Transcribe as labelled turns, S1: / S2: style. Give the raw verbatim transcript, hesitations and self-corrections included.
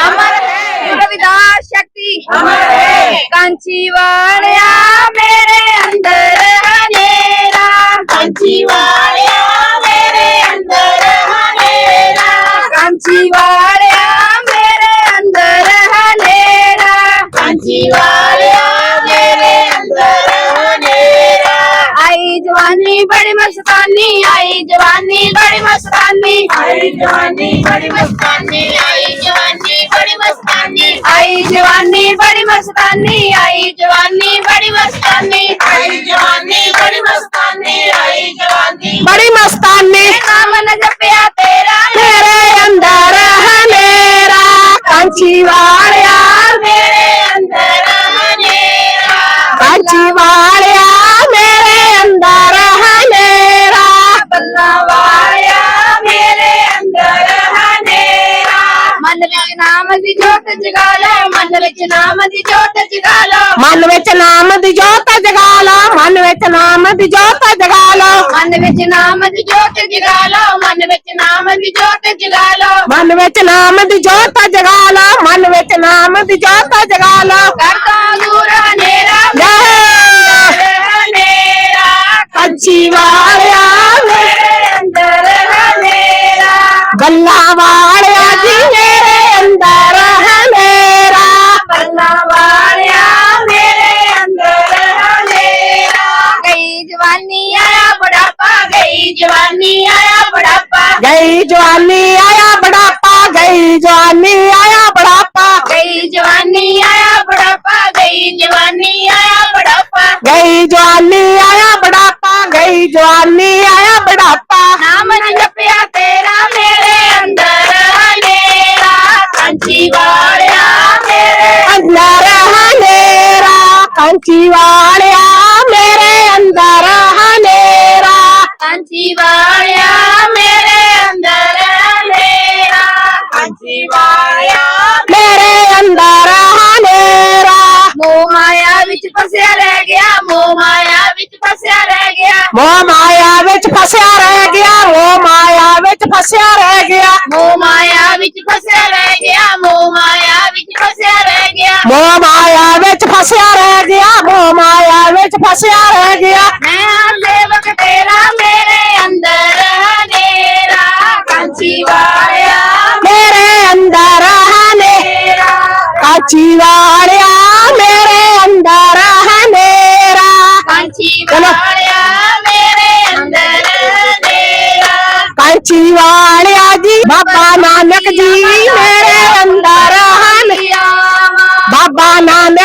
S1: अमर है,
S2: रविदास शक्ति
S1: अमर है,
S2: कांची वालिया मेरे अंदर हनेरा,
S1: कांची वालिया मेरे अंदर हनेरा,
S2: कांची वालिया मेरे अंदर हनेरा,
S1: कांची वालिया मेरे अंदर हनेरा।
S2: आई जवानी बड़ी मस्तानी, आई जवानी बड़ी मस्तानी,
S1: आई जवानी बड़ी मस्तानी, आई जवानी बड़ी मस्तानी,
S2: आई जवानी बड़ी मस्तानी, आई जवानी बड़ी मस्तानी,
S1: आई जवानी बड़ी मस्तानी, आई जवानी
S2: बड़ी मस्तानी। नाम न जपिया तेरा मेरे अंदर हनेरा, कांची वालिया
S1: मेरे अंदर हनेरा,
S2: कांची वालिया मेरे अंदर हनेरा,
S1: बल्ला वालिया मेरे अंदर हनेरा।
S2: मन विच नाम दी जोत जगा लो, मन विच नाम दी जोत जगा लो,
S3: मन विच नाम दी जोत जगा लो, मन विच नाम दी जोत जगा लो,
S2: मन विच नाम दी जोत जगा लो, मन विच नाम दी जोत जगा लो,
S3: मन विच नाम दी जोत जगा लो, मन विच नाम दी जोत जगा लो।
S2: करता दूर हनेरा
S3: जय
S2: हनेरा,
S3: कांची वालिया
S2: मेरे अंदर हनेरा,
S3: गल्ला वालिया जी मेरे अंदर हनेरा,
S2: बल्ला वालिया मेरे अंदर हनेरा। गई जवानी आया बुढ़ापा, गई जवानी आया बुढ़ापा,
S3: गई जवानी आया बुढ़ापा, गई जवानी आया बुढ़ापा,
S2: गई जवानी आया बुढ़ापा, गई जवानी आया बुढ़ापा,
S3: गई जवानी आया बुढ़ापा, गई जवानी आया बुढ़ापा।
S2: नाम न जपिया तेरा मेरे अंदर हनेरा, कांची वालिया मेरे
S3: अंदर हनेरा, कांची वालिया मेरे अंदर हनेरा,
S2: कांची वालिया मेरे अंदर हनेरा,
S1: कांची वालिया
S3: मेरे अंदर हनेरा।
S2: मोह माया विच फसिया रह गया, मोह माया विच फसिया रह गया,
S3: मोह माया विच फसिया रह गया, मोह माया विच फसिया रह गया,
S2: मोह माया विच फसिया रह गया, मोह माया विच फसिया रह गया।
S3: मोह माया विच फसिया रह गया, मोह माया विच फसिया रह गया।
S2: मैं हाँ सेवक तेरा मेरे अंदर हनेरा, कांची वालिया
S3: मेरे अंदर हनेरा, कांची वालिया मेरे अंदर हनेरा।
S2: कांची
S3: चलो।
S2: वालिया मेरे अंदर हनेरा,
S3: कांची वालिया जी बाबा नानक जी मेरे अंदर हने,
S2: आवा
S3: बाबा नानक